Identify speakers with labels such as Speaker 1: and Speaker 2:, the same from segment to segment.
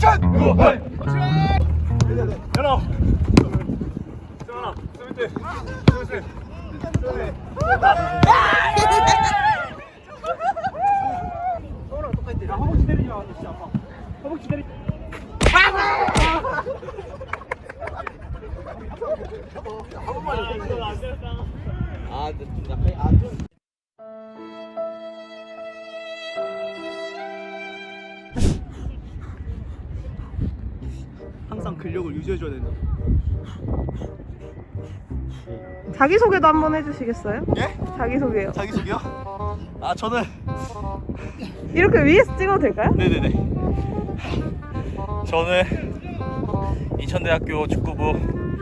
Speaker 1: 액션!
Speaker 2: 열어. 세원아, 스위트. 스위트. 서울랑 똑같대. 허벅지 때리지 마. 진짜 아파. 허벅지 때리. 항상 근력을 유지해줘야 된다.
Speaker 3: 자기소개도 한번 해주시겠어요?
Speaker 2: 예?
Speaker 3: 자기소개요.
Speaker 2: 자기소개요? 아 저는
Speaker 3: 이렇게 위에서 찍어도 될까요?
Speaker 2: 네네네. 저는 인천대학교 축구부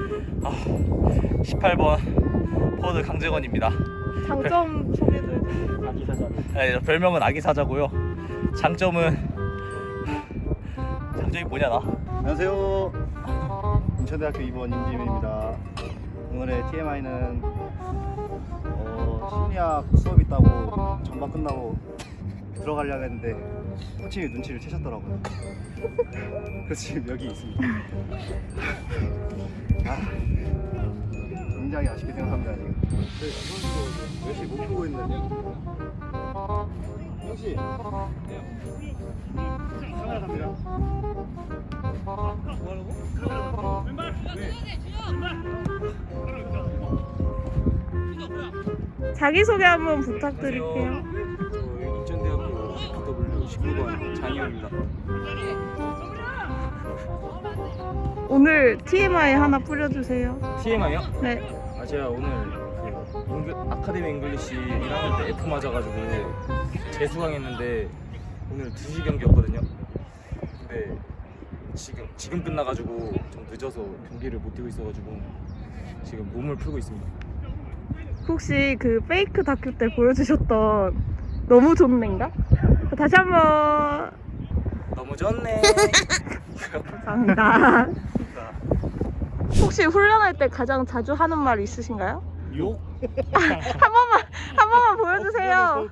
Speaker 2: 18번 포워드 강재건입니다.
Speaker 3: 장점 소개도 해주세요.
Speaker 2: 아기 사자. 네, 별명은 아기 사자고요. 장점이 뭐냐 나?
Speaker 1: 안녕하세요. 인천대학교 2번 임지민입니다. 오늘의 TMI는 심리학 수업 있다고 전반 끝나고 들어가려고 했는데 코치님이 눈치를 채셨더라고요. 그래서 지금 여기 있습니다. 굉장히 아쉽게 생각합니다 지금. 열심히 못 풀고 있는데. 혹시 카메라 갑니다.
Speaker 3: 자기소개 한번 부탁드릴게요.
Speaker 4: 저 인천대학교 BW 19번 장희호입니다.
Speaker 3: 오늘 TMI 하나 뿌려주세요.
Speaker 4: TMI요?
Speaker 3: 네.
Speaker 4: 제가 오늘 아카데미 잉글리시 1학년 때 F 맞아가지고 재수강했는데 오늘 2시 경기였거든요. 근데 지금 끝나가지고 좀 늦어서 경기를 못 뛰고 있어가지고 지금 몸을 풀고 있습니다.
Speaker 3: 혹시 그 페이크 다큐 때 보여주셨던 너무 좋네인가? 다시 한번
Speaker 4: 너무 좋네.
Speaker 3: 감사합니다. 혹시 훈련할 때 가장 자주 하는 말 있으신가요?
Speaker 2: 욕?
Speaker 3: 한 번만 보여주세요.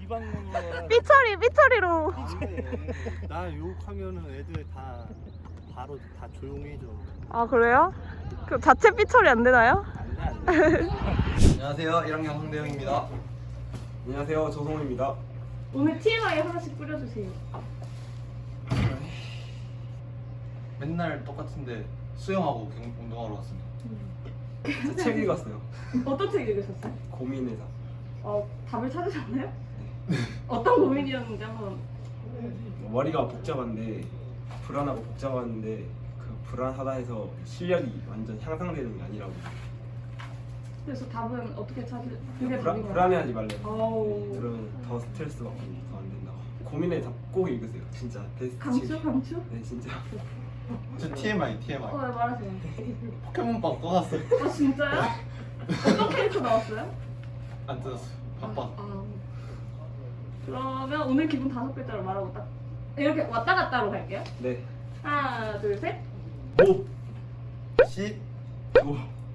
Speaker 3: 삐처리로.
Speaker 1: 나 욕하면은 애들 다 바로 다 조용해져.
Speaker 3: 아 그래요? 그 자체 삐처리 안 되나요?
Speaker 5: 안녕하세요. 1학년 황대영입니다.
Speaker 4: 안녕하세요, 조성우입니다.
Speaker 3: 오늘 TMI 하나씩 뿌려주세요.
Speaker 5: 맨날 똑같은데 수영하고 운동하러 왔습니다.
Speaker 4: 책 읽었어요.
Speaker 3: 어떤 책 읽으셨어요?
Speaker 4: 고민회사.
Speaker 3: 답을 찾으셨나요? 어떤 고민이었는지 한번.
Speaker 4: 머리가 복잡한데 불안하고 복잡한데 그 불안하다 해서 실력이 완전 향상되는 게 아니라고.
Speaker 3: 그래서 답은 어떻게 그게 답인 거예요?
Speaker 4: 불안해하지 말래.
Speaker 3: 어우.
Speaker 4: 그러면 더 스트레스 받고 더 안 된다고. 고민의 답 꼭 읽으세요. 진짜 베스트.
Speaker 3: 강추?
Speaker 4: 네 진짜.
Speaker 1: 저 TMI.
Speaker 3: 네, 말하세요.
Speaker 1: 포켓몬빵 꺼놨어요.
Speaker 3: 진짜요? 어떤 캐릭터 나왔어요?
Speaker 1: 안 뜯었어요. 바빠.
Speaker 3: 그러면 오늘 기분 5글자로 말하고 딱 이렇게 왔다 갔다로 갈게요.
Speaker 4: 네.
Speaker 3: 하나, 둘, 셋.
Speaker 1: 오. 시. 조.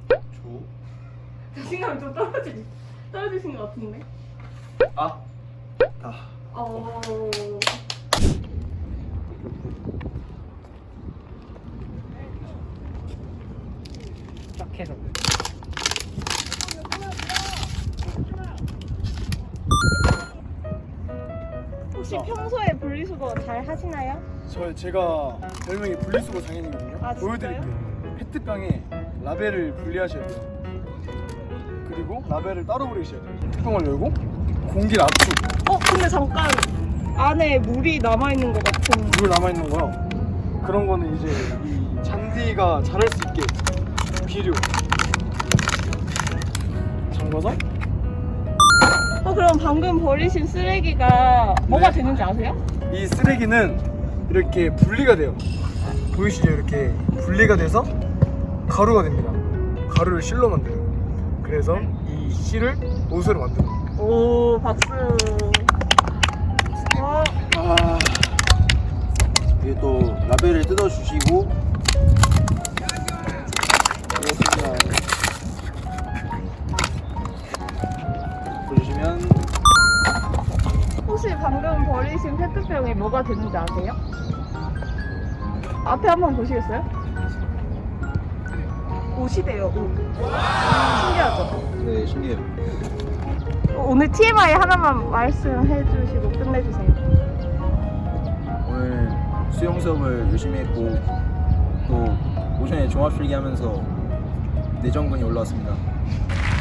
Speaker 3: 자신감이 좀 떨어지신 것 같은데.
Speaker 1: 다.
Speaker 2: 딱 해서.
Speaker 3: 혹시 평소에 분리수거 잘 하시나요?
Speaker 6: 제가 별명이 분리수거 장인이거든요.
Speaker 3: 아, 진짜요?
Speaker 6: 보여드릴게요. 페트병에 라벨을 분리하셔야 돼요. 그리고 라벨을 따로 버리셔야 돼요. 뚜껑을 열고 공기를 압축.
Speaker 3: 근데 잠깐 안에 물이 남아있는 것 같은.
Speaker 6: 물 남아있는 거요. 그런 거는 이제 이 잔디가 자랄 수 있게 비료 잠가서.
Speaker 3: 그럼 방금 버리신 쓰레기가 뭐가 되는지 아세요?
Speaker 6: 이 쓰레기는 이렇게 분리가 돼요. 보이시죠? 이렇게 분리가 돼서 가루가 됩니다. 가루를 실로 만들어요. 그래서 이 실을 옷으로 만들어요.
Speaker 3: 오, 박수.
Speaker 5: 이게 또 라벨을 뜯어주시고 그렇습니다. 보시면
Speaker 3: 혹시 방금 버리신 페트병이 뭐가 되는지 아세요? 앞에 한번 보시겠어요? 옷이래요, 옷. 신기하죠?
Speaker 5: 네, 신기해요.
Speaker 3: 오늘 TMI 하나만 말씀해 주시고 끝내주세요.
Speaker 7: 오늘 수영 수업을 열심히 했고 또 오션에 종합 필기 하면서 내전근이 올라왔습니다.